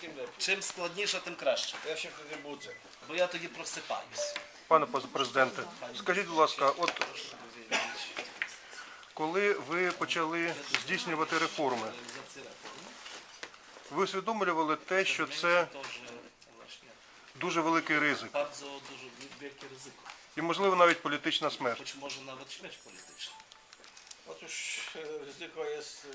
tym lepiej. Чим складніше, тим краще. Ja się wtedy budzę. Бо я тоді просипаюсь. Пане президенте, скажіть, будь ласка, от коли ви почали здійснювати реформи, ви усвідомлювали те, що це дуже великий ризик Bardzo дуже wielkie ryzyko. і, можливо, навіть політична смерть? Хоч може навіть śmierć polityczna. Otóż ryzyko jest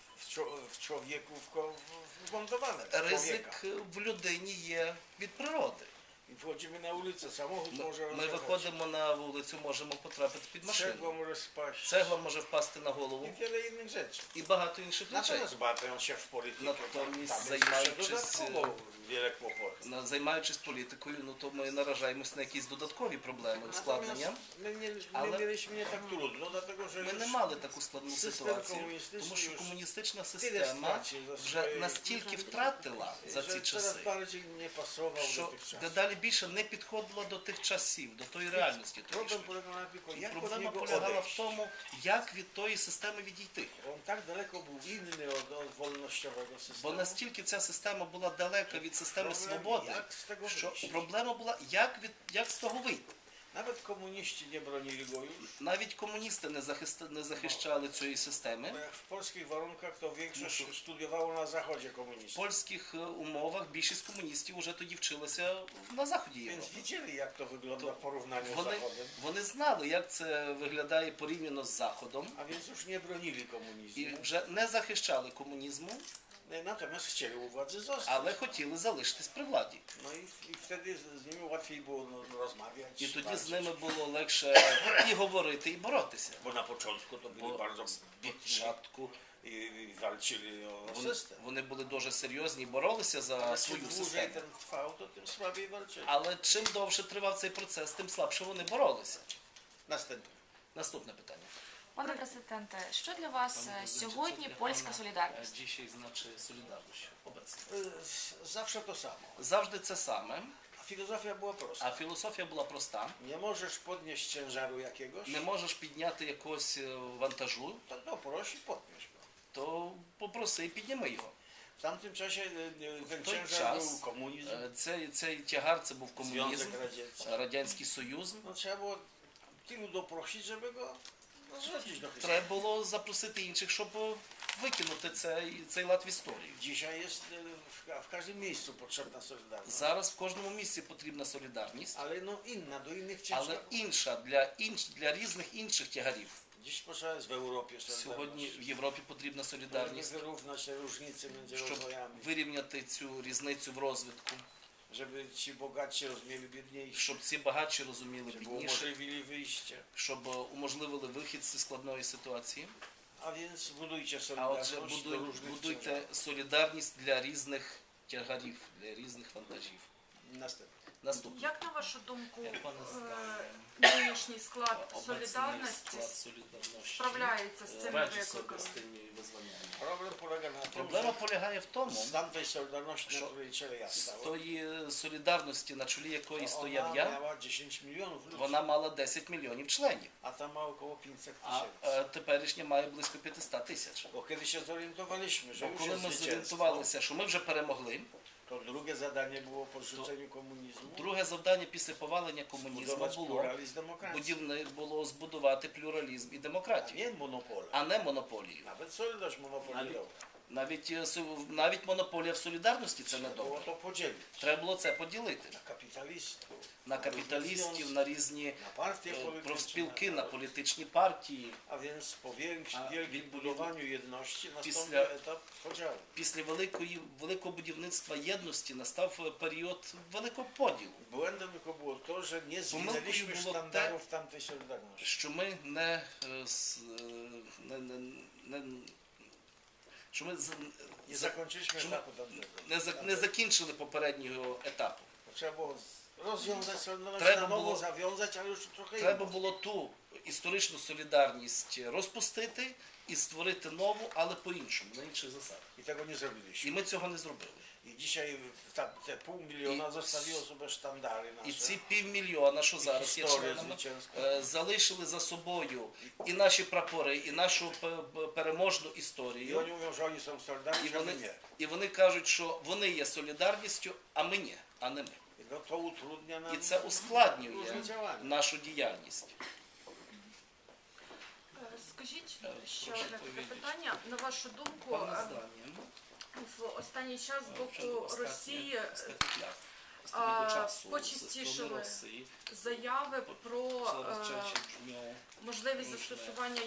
w człowieku wmontowane. Ризик в людині є від природи. I wchodzimy na ulicę, samochód może Ми rozjechać, виходимо на вулицю, можемо потрапити під cegła машину. może spaść Цегла може впасти на голову i wiele innych rzeczy. і багато інших речей. Natomiast bawią się w politykę, Natomiast tam jest jeszcze zajmując się- dodatkowo wiele kłopotów. Займаючись політикою, ну то ми наражаємось на якісь додаткові проблеми, ускладнення. Natomiast my Ale- mieliśmy nie tak trudno, dlatego że Ми не już мали таку складну Система ситуацію, комуністична тому що już комуністична tyle система straci za вже swoje- настільки втратила за ці że coraz часи, bardziej nie pasował do що tych czasów. дедалі більше не підходила до тих часів, до тої реальності. Problem тодішньої. polegał na tylko, jak od Проблема niego полягала в odejść. тому, як від тої системи відійти. On tak daleko był inny od wolnościowego Бо systemu. настільки ця система була далека від системи Problem, свободи, jak z tego що wyjść. проблема була, як з того вийти. Nawet komuniści nie bronili go już. Навіть комуністи не захищали цієї системи. Bo jak w polskich warunkach to większość studiowało na zachodzie В komunistów. польських умовах більшість комуністів вже тоді вчилися на заході Więc Європи. widzieli, jak to wygląda w porównaniu z Вони, Zachodem. вони знали, як це виглядає порівняно з Заходом, A więc już nie bronili і komunizmu. вже не захищали комунізму, Natomiast chcieli u władzy zostać. але хотіли залишитись при владі. No i wtedy z nimi łatwiej było rozmawiać. І тоді walczyć. з ними було легше і говорити, і боротися. Bo na początku to byli Бо bardzo спочатку i walczyli o вони, system. вони були дуже серйозні і боролися за Ale czym свою dłużej систему. ten trwał, to tym słabiej walczyli. Але чим довше тривав цей процес, тим слабше вони боролися. Następne. Наступне питання. Пане президенте, що для вас сьогодні польська солідарність? Dzisiaj znaczy solidarność obecnie. Zawsze to samo. Завжди це саме, A filozofia była prosta. а філософія була проста. Nie możesz podnieść ciężaru jakiegoś, Не можеш підняти якогось вантажу, to prosi, podnieś go. то попроси і підніми його. W tamtym czasie ten той ciężar час był komunizm, Цей тягар це був комунізм, Związek Radziecki. Радянський Союз. No trzeba było tylu doprosić, żeby go zrzucić do historii. Треба було запросити інших, щоб викинути цей лад в історію. Dzisiaj jest w każdym miejscu potrzebna solidarność. Зараз в кожному місці потрібна солідарність, Ale no inna, do innych але ciężarów. інша для різних інших тягарів. Dziś potrzeba jest w Europie Сьогодні solidarność. в Європі потрібна Żeby солідарність, wyrównać te różnice między щоб rozwojami. вирівняти цю різницю в розвитку, Żeby ci bogatsi rozumieli biedniejsi. щоб ці багатші розуміли Żeby бідніше, umożliwili wyjście. щоб уможливили вихід з складної ситуації. A więc budujcie А отже, solidarność do różnych будуйте ciężarów. солідарність для різних тягарів, для різних вантажів. Następne. Наступне. Як на вашу думку, Як пане нинішній склад Обecny солідарності склад солідарності справляється з цими радzi sobie викликами? з тими визваннями. Problem polega na tym, Проблема że полягає в тому, z tamtej solidarności, na Що? której czele ja з stałem, тої солідарності, на чолі якої стояв ona я, miała 10 milionów ludzi, вона мала 10 мільйонів членів, a ta ma około 500 а tysięcy. теперішня має близько 500 тисяч. Bo kiedy się zorientowaliśmy, że Бо już коли jest ми zwycięstwo, зорієнтувалися, що ми вже перемогли, to drugie zadanie było po zrzuceniu komunizmu друге завдання після повалення комунізму budować було pluralizm demokracji, було збудувати плюралізм і a демократію, nie monopole. а не монополію. Nawet Solidarność monopoliowa. Навіть монополія в солідарності це не Było добре. to podzielić Треба було це поділити na kapitalistów, на капіталістів, на різні na partie polityczne, профспілки, на політичні партії. a więc po wielkim відповідно, budowaniu jedności nastąpił після- etap podziału. Після великого будівництва єдності настав період великого поділу, Błędem tylko było to, że nie Pomyłką zwinęliśmy było sztandarów tamtej Solidarności. що ми що ми Nie zakończyliśmy Czemu- etapu tamtego. не закінчили попереднього етапу. Trzeba było rozwiązać Solidarność, Треба na nowo було- zawiązać, ale już trochę Треба inną. було ту історичну солідарність розпустити і створити нову, але по-іншому, на інших засадах. I tego nie І zrobiliśmy. ми цього не зробили. I dzisiaj te 500 000 zostawiło sobie sztandary nasze. І ці 500 000, що зараз є історія членами, звичайська. залишили за собою і наші прапори, і нашу переможну I історію. oni mówią, że oni są solidarni, І że my вони, nie. і вони кажуть, що вони є солідарністю, а ми ні, а не ми. I to utrudnia nam І це ускладнює różne działania. нашу діяльність. Скажіть ще прошу одне таке відповідь. питання. На вашу думку, Пане Здані, в останній час з вже боку Росії останніх літ, останнього часу, почастішили зі сторони Росії, заяви про coraz częściej brzmią можливість застосування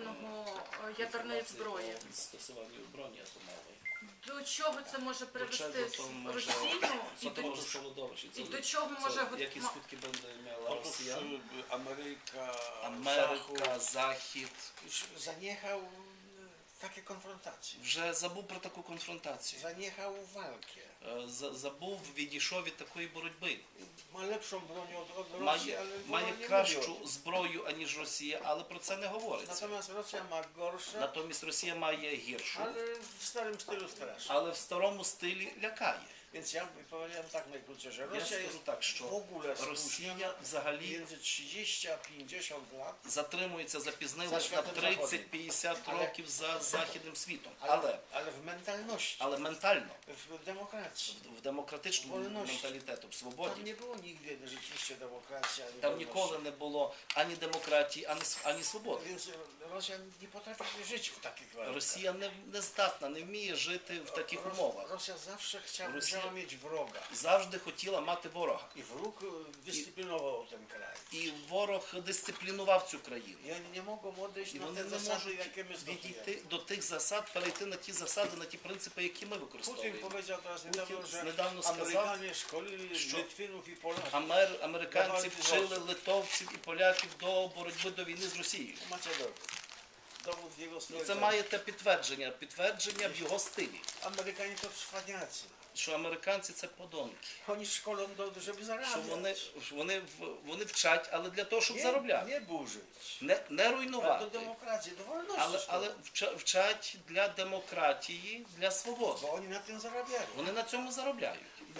ядерної зброї. stosowanie broni atomowej. До чого це може привести czego to może- Росію Co to może spowodować? і до чого може Jakie skutki będzie miała Otóż Rosja? Ameryka, Ameryka, Захід już zaniechał takie konfrontacje. вже забув про таку конфронтацію. Zaniechał walkę. Забув, відійшов від такої боротьби. Ma lepszą broń od Rosji, Має, ale wojna має nie mówi o кращу tym. зброю, аніж Росія, але про це не говориться. Natomiast Rosja ma gorsze, Натомість Росія має гіршу, ale w starym stylu straszy. але в старому стилі лякає. Więc ja powiedziałem tak najkrócej, że Я Rosja скажу jest так, w що ogóle spóźniona Росія взагалі między 30 a 50 lat, затримується, запізнилась За на світом 30-50 Але- років за західним світом. ale w mentalności, Але ментально, w demokracji. в демократичному Wolności. менталітету, в Tam свободі, nie było nigdy rzeczywiście demokracji, ani там wolności. ніколи не було ані демократії, ані свободи. Więc Rosja nie potrafi żyć w takich warunkach. Росія не здатна, не вміє жити в таких умовах. Rosja zawsze Rosja- chciała mieć wroga. Завжди хотіла мати ворога. I wróg dyscyplinował ten kraj. І ворог дисциплінував цю країну. I oni nie mogą odejść І na вони te не zasady, можуть jakie my stosujemy. відійти до тих засад, перейти на ті засади, на ті принципи, які ми Putin використовуємо. powiedział teraz niedawno, Putin że niedawno сказав, Amerykanie szkolili що Litwinów i Polaków. Американці вчили литовців і поляків до боротьби до війни з Росією. Macie dowód. Dowód w jego Ну, stronę. це має те підтвердження в його стилі, Amerykanie to cwaniacy. що американці це подонки, Oni szkolą, żeby що zarabiać. вони вчать, але для того, щоб Nie, заробляти, nie burzyć. не Ale do руйнувати, demokracji, do wolności. але szkolą. вчать для демократії, для свободи. Bo oni na tym zarabiają. Вони на цьому заробляють.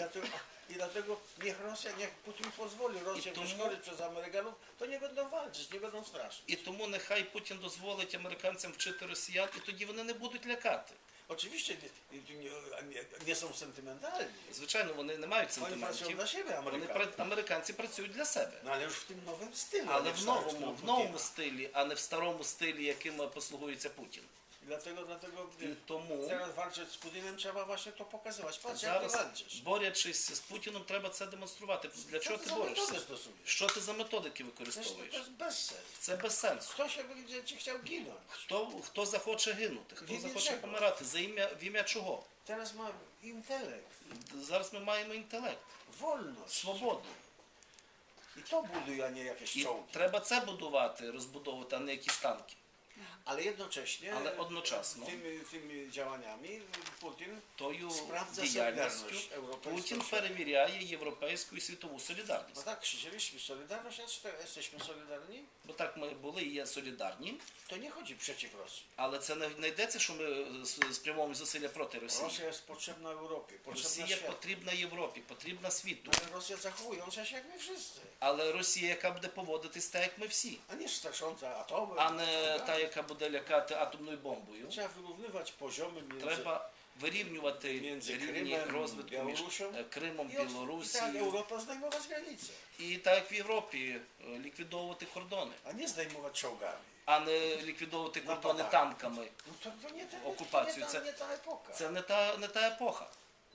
I dlatego niech Putin pozwoli Rosję тому- wyszkolić przez Amerykanów, to nie będą walczyć, nie będą straszyć. І тому нехай Путін дозволить американцям вчити росіян, і тоді вони не будуть лякати. Oczywiście nie są sentymentalni. Звичайно, вони не мають Oni pracują сентиментів. dla siebie, Вони Amerykanie. американці працюють для себе. No ale już w tym nowym stylu. a Але nie в starym новому, stylu в новому Putina. стилі, а не в старому стилі, яким послугується Путін. I dlatego І тому teraz walczyć z Putinem trzeba właśnie to pokazywać. Patrz jak ty зараз, walczysz. борючись з Путіном, треба це демонструвати. Для Co чого ty ти za metody борешся? stosujesz? Що ти за методики Przecież to використовуєш? jest bezsens. Це без сенсу. Kto się będzie ci chciał ginąć? Хто захоче гинути, хто Від захоче чого? помирати, в ім'я чого? Teraz ma intelekt, Зараз ми маємо інтелект, wolność. свободу. I to buduje, a nie jakieś І czołgi. треба це будувати, розбудовувати, а не якісь танки. Ale jednocześnie Ale odnoczaсно. tymi działaniami Putin Тою sprawdza діяльністю solidarność europejską. Путін перевіряє європейську і світову No солідарність. tak, krzyczeliśmy solidarność, a czy jesteśmy solidarni? Бо так ми були і є солідарні, To nie chodzi przeciw Rosji. але це не йдеться, що ми спрямовуємо зусилля проти Росії. Rosja jest potrzebna Europie, potrzebna Росія światu. потрібна Європі, потрібна світу. Ale Rosja zachowująca się jak my wszyscy. Але Росія, яка буде поводитись так, як ми всі, A nie strasząca atomem. а не tak та, dalej. яка буде лякати атомною бомбою. Trzeba wyrównywać poziomy między... Треба вирівнювати Między рівні Кримом, розвитку між Білорусем Кримом, I tak Білорусією. Europa zdejmować granice, І так як в Європі ліквідовувати кордони, a nie zdejmować czołgami. а не ліквідовувати кордони Нападати. танками. No to nie, Okupację, nie ta epoka. Це не та епоха.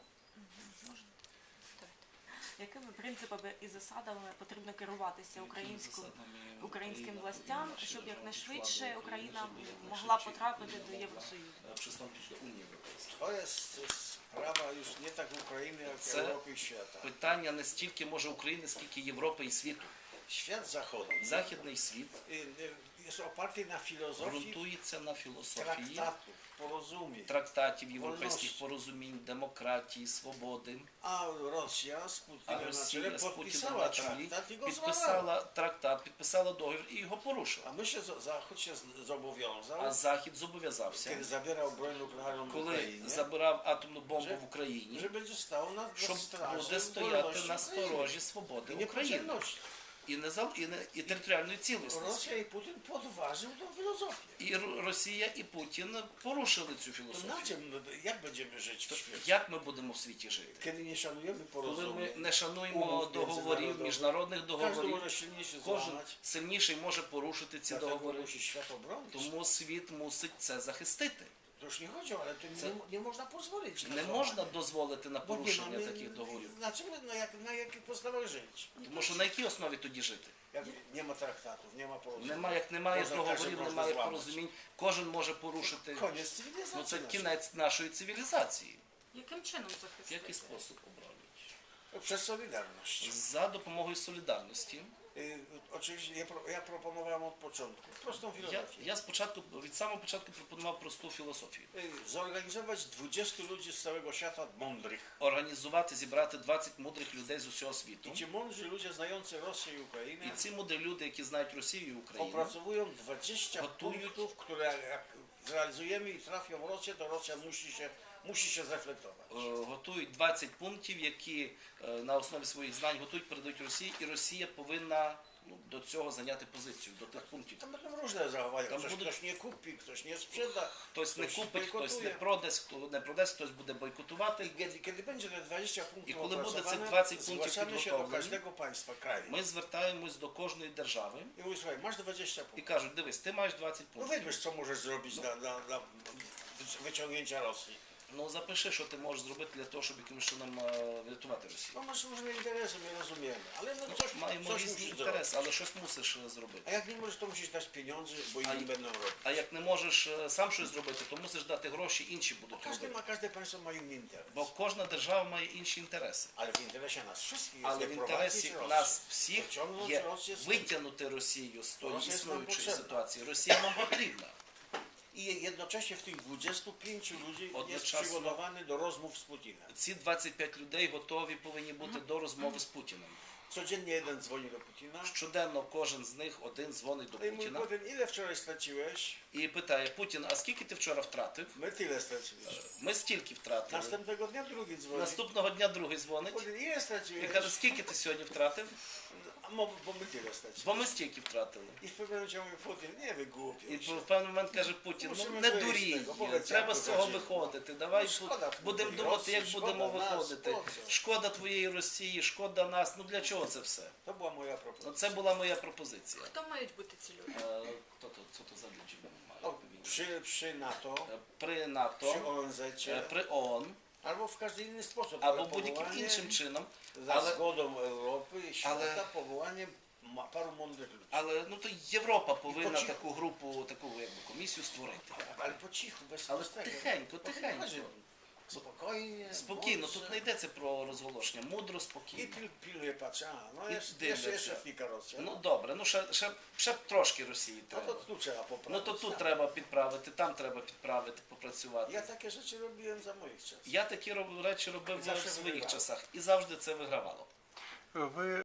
Якими принципами і засадами потрібно керуватися українським властям, щоб якнайшвидше Україна могла потрапити до Євросоюзу? Przystąpić do Unii Europejskiej. To jest sprawa już nie tak Ukrainy, jak Це Europy i świata. Питання не стільки може України, скільки Європи і світу. Świat zachodni Західний світ jest oparty na filozofii ґрунтується на філософії traktatów, porozumień. трактатів, європейських Вольності. порозумінь, демократії, свободи. A Rosja z А Putinem na Росія czele з Путіним podpisała на чолі traktat i go złamała. підписала трактат, підписала договір і його порушила. A my się, Zachód się zobowiązał, А Захід зобов'язався, kiedy zabierał broń nuklearną w коли Ukrainie, забирав атомну бомбу Że- в Україні, że będzie stał na щоб straży буде стояти wolności на Ukrainy сторожі свободи i України niepodzielności. і територіальної цілісності. Rosja i Putin podważył tą filozofię. І Росія і Путін порушили цю To na філософію. czym, jak będziemy żyć w świecie? Як ми будемо в світі жити? Kiedy nie szanujemy Коли ми porozumień, не шануємо Умов договорів, міжнародних, міжнародних każdy договорів, może silniejszy кожен złamać, сильніший може порушити ці dlatego договори. musi świat obronić. Тому світ мусить це захистити. To już nie chodzi o, ale to nie można pozwolić na Не złamanie. можна дозволити на Bo nie порушення mamy, таких договорів. na czym, na jakich podstawach żyć? Тому що на якій основі тоді жити? Jak nie ma traktatów, nie ma porozumień. Як немає Можна договорів, кожен немає може зламати. порозумінь, кожен може порушити. Koniec Ну cywilizacji це naszej. кінець нашої цивілізації. Яким чином В захистити? який спосіб обрати? Przez Solidarność. За допомогою солідарності. Oczywiście ja proponowałem od początku prostą filozofię. Я спочатку, від самого початку пропонував просту філософію. Zorganizować 20 ludzi z całego świata mądrych. Організувати, зібрати 20 мудрих людей з усього світу. I ci mądrzy ludzie znający Rosję i І Ukrainę ці мудрі люди, які знають Росію і Україну, opracowują 20 Gotują. punktów, które jak zrealizujemy i trafią w Rosję, to Rosja musi się zreflektować. готують 20 пунктів, які на основі своїх знань готують, передають Росії, і Росія повинна до цього зайняти позицію, до тих пунктів. Tam będą różne zachowania. Tam będą- Ktoś nie kupi, ktoś nie sprzeda. Хтось не Хтось купить, хтось не бойкотує. продасть, хто не продасть, хтось буде бойкотувати. I kiedy będzie te 20 I punktów kiedy będzie tych opracowane, 20 punktów zgłaszamy się do підготовлені, każdego państwa kraju. Ми звертаємось до кожної держави I mówię, słuchaj, masz 20 і punktów. кажуть, дивись, ти маєш 20 No пунктів. wybierz, co możesz zrobić dla wyciągnięcia Rosji. Ну запиши, що ти можеш зробити для того, щоб якимось чином врятувати Росію. No masz różne interesy, my rozumiemy, ale no Маємо coś різні musisz zrobić. інтереси, але щось мусиш зробити. A jak nie możesz, to musisz dać pieniądze, bo inni będą robić. А як не можеш сам щось зробити, то мусиш дати гроші, інші Bo будуть робити. każde państwo ma inny interes. Бо кожна держава має інші інтереси. Ale w interesie nas wszystkich jest Але в інтересі wyprowadzić нас Rosję. всіх Pociągnąć є Rosję z витягнути Росію з тої Росія нам існуючої потрібна. ситуації. Росія нам потрібна. I jednocześnie w tych 25 ludzi jest Одночасно. przygotowany do rozmów z Putinem. Ці 25 людей готові повинні бути до розмови з Путіним. Codziennie jeden dzwoni do Putina. Щоденно кожен з них один дзвонить до No i mówi, Путіна Putin, ile wczoraj straciłeś? і питає: Путін, а скільки ти вчора втратив? My tyle straciliśmy. Ми стільки втратили. Następnego dnia drugi dzwoni. Наступного дня другий дзвонить Putin, ile і straciłeś? каже: скільки ти сьогодні втратив? A bo my tyle straciliśmy. Бо ми стільки втратили. I w pewnym momencie mówi Putin, nie І wygłupiaj się. в певний момент каже Путін: ну Мусимо не вийти з дурій, того, поки треба з ця цього буде виходити. Давай Ну, шкода будемо твоєї думати, як Росії, будемо шкода нас, виходити. хлопців. Шкода твоєї Росії, шкода нас. Ну для чого це все? To była moja Ну, propozycja. це була моя пропозиція. Хто мають бути ці люди? Co to za ludzie mają O, powiedzieć? przy NATO, При НАТО, przy ONZ, при ООН albo w każdy inny sposób. або ale будь-яким powołanie іншим чином. za Ale, zgodą Europy i świata ale- powołanie paru mądrych ludzi. але ну то Європа повинна Почему? таку групу, таку якби комісію створити. Ale po cichu, bez Ale bez tego. tycheńko, O to tycheńko. chodzi. Spokojnie, Спокійно, mądrze. тут не йдеться про розголошення, мудро, I спокійно. pilnuje, patrzy, no I jeszcze dywиться. fika Rosja. Ну добре, ну ще трошки Росії No to треба. tu trzeba poprawić. Ну то тут tak. треба підправити, там треба підправити, попрацювати. Ja takie rzeczy robiłem za moich czasów. Я такі речі робив Завжди в своїх вигравав. часах і завжди це вигравало. Ви